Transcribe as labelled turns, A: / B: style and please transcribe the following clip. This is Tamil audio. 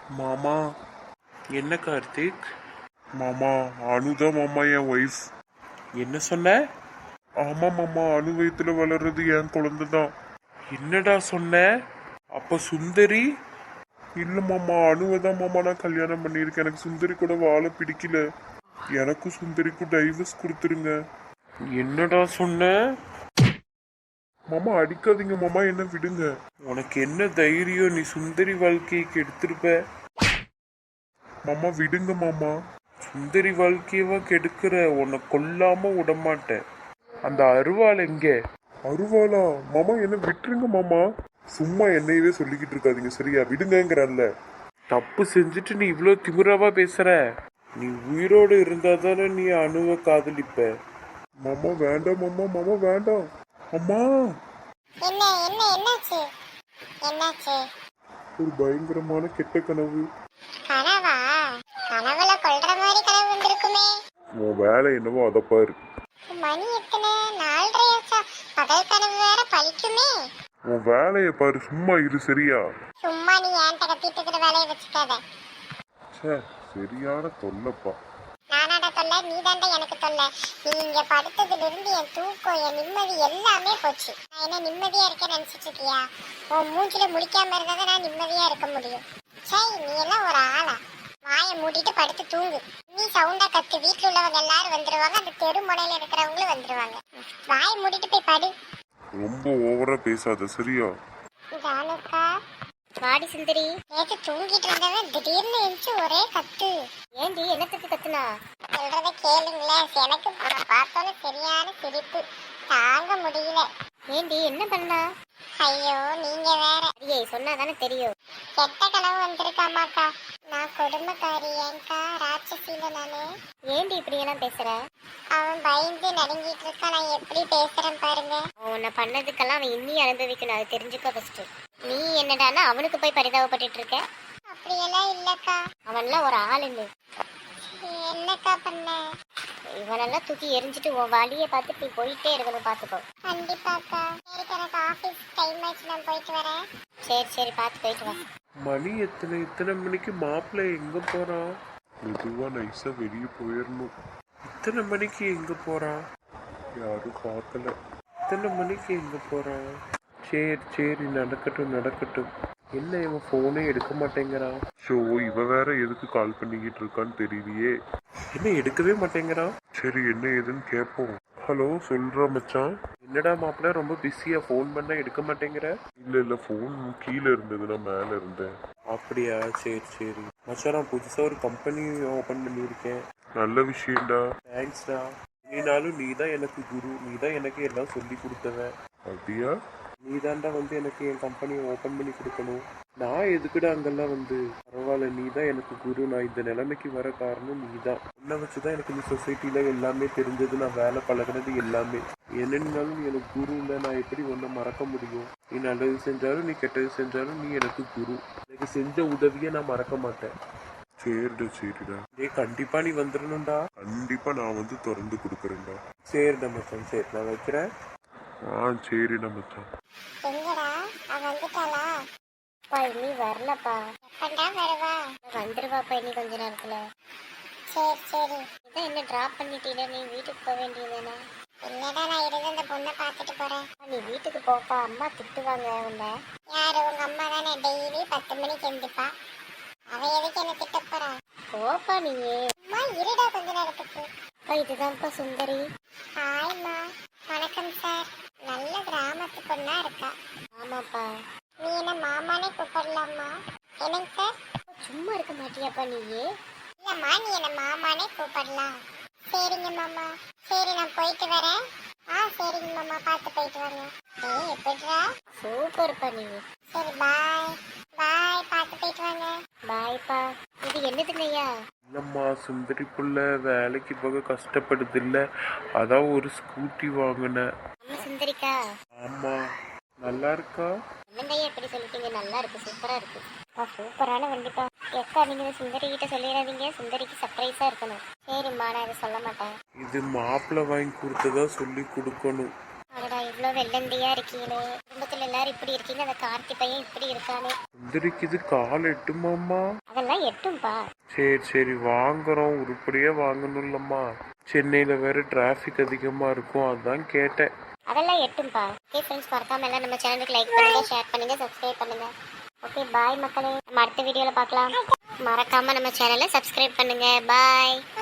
A: மாமா. என்ன கார்த்திக்? மாமா, அனுதான் மாமா என் ஒய்ஃப். என்ன சொன்ன? ஆமா மாமா, அணு வயித்துல வளர்றது என் குழந்தை தான். என்னடா சொன்ன? அப்ப சுந்தரி? இல்ல மாமா, அணுவை தான் மாமா நான் கல்யாணம் பண்ணியிருக்கேன். எனக்கு சுந்தரி கூட வாழ பிடிக்கல. எனக்கும் சுந்தரிக்கும் டைவர்ஸ் கொடுத்துருங்க. என்னடா சொன்ன? மாமா அடிக்காதீங்க மாமா, என்ன விடுங்க. உனக்கு என்ன தைரியம்? நீ சுந்தரி வாழ்க்கைக்கு எடுத்திருப்ப. மாமா விடுங்க மாமா. சுந்தரி வாழ்க்கையவா கெடுக்கிற? உன்னை கொல்லாம விடமாட்டேன். அந்த அருவாள் எங்க? அருவாளா? மாமா என்ன விட்டுருங்க மாமா. சும்மா என்னையவே சொல்லிக்கிட்டு இருக்காதீங்க சரியா? விடுங்கங்கிறல்ல. தப்பு செஞ்சுட்டு நீ இவ்வளோ திமிராவா பேசுற? நீ உயிரோடு இருந்தா தானே நீ அணுவை காதலிப்ப. மாமா வேண்டாம் மாமா, மாமா வேண்டாம். அம்மா.
B: என்ன என்ன என்னாச்சு? என்னாச்சு?
A: ஒரு பயங்கரமான கெட்ட கனவு.
B: கனவா? கனவுல கொல்ற மாதிரி கனவு வந்திருக்குமே.
A: உன் வேலை என்னவோ அதை பாரு.
B: மணி எத்தனை? 4:30 பகல் கனவு வேற பழிக்குமே.
A: உன் வேலையை பாரு, சும்மா இரு சரியா?
B: சும்மா நீ ஏன் கத்திட்டு இருக்கிற வேலையை வச்சுக்காத.
A: சே, சரியான தொல்லப்பா.
B: நானாடா தொல்ல? நீ தாண்டா எனக்கு தொல்ல. நீ இங்க படுத்ததுல இருந்து என் தூக்கம், என் நிம்மதி எல்லாமே போச்சு. நான் என்ன நிம்மதியா இருக்கேன்னு நினைச்சிட்டு இருக்கியா? உன் மூஞ்சில முடிக்காம இருந்தாதான் நான் நிம்மதியா இருக்க முடியும். சரி, நீ எல்லாம் ஒரு ஆளா? வாயை மூடிட்டு படுத்து தூங்கு. நீ சவுண்டா கத்து, வீட்டுல உள்ளவங்க எல்லாரும் வந்துருவாங்க, அந்த தெரு முனையில இருக்கிறவங்களும் வந்துருவாங்க. வாயை மூடிட்டு போய் படு.
A: ரொம்ப ஓவரா பேசாத சரியா?
B: ஜானுக்கா, வாடி சுந்தரி. நேற்று தூங்கிட்டு இருந்தவன் திடீர்னு எழுந்து ஒரே கத்து. ஏண்டி என்னத்துக்கு கத்துனா? சொல்றத கேளுங்களேன். எனக்கு பார்த்தோன்னு சரியான சிரிப்பு, தாங்க முடியல. ஏண்டி என்ன பண்ணா? ஐயோ நீங்க வேற. ஐயே சொன்னாதானே தெரியும். கெட்ட கனவு வந்திருக்காமாக்கா. நான் கொடுமைக்காரி ஏங்கா, ராட்சசில நானு. ஏண்டி இப்படி எல்லாம் பேசுற? அவன் பயந்து நடுங்கிட்டு இருக்கா, நான் எப்படி பேசுறேன் பாருங்க. உன்னை பண்ணதுக்கெல்லாம் அவன் இன்னி அனுபவிக்கணும், அது தெரிஞ்சுக்க ஃபர்ஸ்ட். நீ என்னடானா அவனுக்கு போய் பரிதாபப்பட்டு இருக்க? அப்படியெல்லாம் இல்லக்கா. அவன்லாம் ஒரு ஆளுன்னு. என்னக்கா பண்ண? இவனெல்லாம் தூக்கி எரிஞ்சிட்டு உன் வழியை பார்த்து நீ போயிட்டே இருக்கணும், பார்த்துக்கோ. கண்டிப்பாக்கா. சரி, எனக்கு ஆஃபீஸ் டைம் ஆச்சு, நான் போயிட்டு வரேன். சரி சரி, பார்த்து போயிட்டு வா.
A: மணி இத்தனை மணிக்கு மாப்பிள்ளை எங்க போறான்? மெதுவா நைஸா வெளியே போயிடணும். இத்தனை மணிக்கு எங்க போறான்? யாரும் பார்க்கல. இத்தனை மணிக்கு எங்க போறான்? சரி சரி, நடக்கட்டும். என்ன இவன் போனே எடுக்க மாட்டேங்கிறான்? ஷோ, இவ வேற எதுக்கு கால் பண்ணிக்கிட்டு இருக்கான்னு தெரியலையே. என்ன எடுக்கவே மாட்டேங்கிறான்? சரி என்ன ஏதுன்னு கேட்போம். ஹலோ, சொல்றா மச்சான். என்னடா மாப்பிள்ள ரொம்ப பிஸியா? ஃபோன் பண்ண எடுக்க மாட்டேங்கிற? இல்ல ஃபோன் கீழே இருந்தது, நான் மேல இருந்தேன். அப்படியா? சரி மச்சான், நான் புதுசா ஒரு கம்பெனி ஓபன் பண்ணியிருக்கேன். நல்ல விஷயம்டா. தேங்க்ஸ்டா. நீனாலும் நீ தான் எனக்கு குரு, நீ தான் எனக்கு எல்லாம் சொல்லி கொடுத்தவன். அப்படியா? நீ தாண்டா வந்து எனக்கு என் கம்பெனியை ஓபன் பண்ணி கொடுக்கணும். நான் எதுக்குடா அங்கெல்லாம் வந்து? பரவாயில்ல, நீ தான் எனக்கு குரு. நான் இந்த நிலைமைக்கு வர காரணம் நீ தான். உன்னை வச்சுதான் எனக்கு இந்த சொசைட்டில எல்லாமே தெரிஞ்சது, நான் வேலை பழகினது எல்லாமே. என்னன்னாலும் நீ எனக்கு குரு இல்லை, நான் எப்படி ஒன்றை மறக்க முடியும்? நீ நல்லது செஞ்சாலும் நீ கெட்டது செஞ்சாலும் நீ எனக்கு குரு. எனக்கு செஞ்ச உதவியை நான் மறக்க மாட்டேன். சரிடா. கண்டிப்பா நீ வந்துடணும்டா. கண்டிப்பா நான் வந்து திறந்து கொடுக்குறேன்டா. சரிடா மச்சான், சரி நான் வைக்கிறேன். சரிடா மச்சான்.
B: எங்கடா அவ வந்துட்டாளா? பா நீ வரலப்பா. எப்படா வருவா? வந்துருவாப்பா இனி கொஞ்ச நேரத்துல. சரி இதான் என்ன டிராப் பண்ணிட்டீல, நீ வீட்டுக்கு போக வேண்டியதானே? இல்லடா, நான் இருந்து அந்த பொண்ணை பார்த்துட்டு போறேன். நீ வீட்டுக்கு போப்பா, அம்மா திட்டுவாங்க உன்னை. யாரு? உங்க அம்மா தானே டெய்லி 10 மணிக்கு எழுந்துப்பா. அவ எதுக்கு என்ன திட்ட போறா? போப்பா நீயே. அம்மா இருடா கொஞ்ச நேரத்துக்கு. இதுதான்ப்பா சுந்தரி. ஹாய்மா. வணக்கம் சார். நல்ல கிராமத்து பொண்ணா இருக்கா. ஆமாப்பா. நீ என்ன மாமானே கூப்பிடலாமா? என்னங்க சார்? சும்மா இருக்க மாட்டியாப்பா நீயே? இல்லம்மா, நீ என்ன மாமானே கூப்பிடலாம். சரிங்க மாமா. சரி நான் போயிட்டு வரேன். சரிங்க மாமா, பார்த்து போயிட்டு வாங்க. எப்படிடா? சூப்பர்ப்பா நீ. சரி பாய். பார்த்து போயிட்டு வாங்க. பாய்ப்பா. இது என்னதுங்கய்யா?
A: இல்லம்மா, சுந்தரி புள்ள வேலைக்கு போக கஷ்டப்படுது இல்ல, அதான் ஒரு ஸ்கூட்டி வாங்கினேன்.
B: நம்ம சுந்தரிக்கா?
A: ஆமா. நல்லா இருக்கா?
B: என்னங்கய்யா எப்படி சொல்லிட்டீங்க? நல்லா இருக்கு, சூப்பரா இருக்கு. சூப்பரான வண்டிப்பா. எக்கா நீங்க சுந்தரி கிட்ட சொல்லிடாதீங்க, சுந்தரிக்கு சர்ப்ரைஸா இருக்கணும். சரிம்மா, நான் இதை சொல்ல மாட்டேன்.
A: இது மாப்பிள்ளை வாங்கி கொடுத்ததா சொல்லி கொடுக்கணும்.
B: அடடா, இவ்வளோ வெள்ளந்தியா இருக்கீங்களே. குடும்பத்துல எல்லாரும் இப்படி இருக்கீங்க, அந்த கார்த்தி பையன் இப்படி இருக்கானே.
A: எந்திரிக்குது, கால் எட்டுமாம்மா?
B: அதெல்லாம் எட்டும்பா.
A: சரி சரி வாங்குறோம், உருப்படியா வாங்கணும்லம்மா. சென்னையில வேற டிராஃபிக் அதிகமா இருக்கும், அதான் கேட்டேன்.
B: அதெல்லாம் எட்டும்பா. ஓகே ஃப்ரெண்ட்ஸ், மறக்காம எல்லாம் நம்ம சேனலுக்கு லைக் பண்ணுங்க, ஷேர் பண்ணுங்க, சப்ஸ்கிரைப் பண்ணுங்க. ஓகே பாய் மக்களே, நம்ம அடுத்த வீடியோல பார்க்கலாம். மறக்காம நம்ம சேனலை சப்ஸ்கிரைப் பண்ணுங்க. பாய்.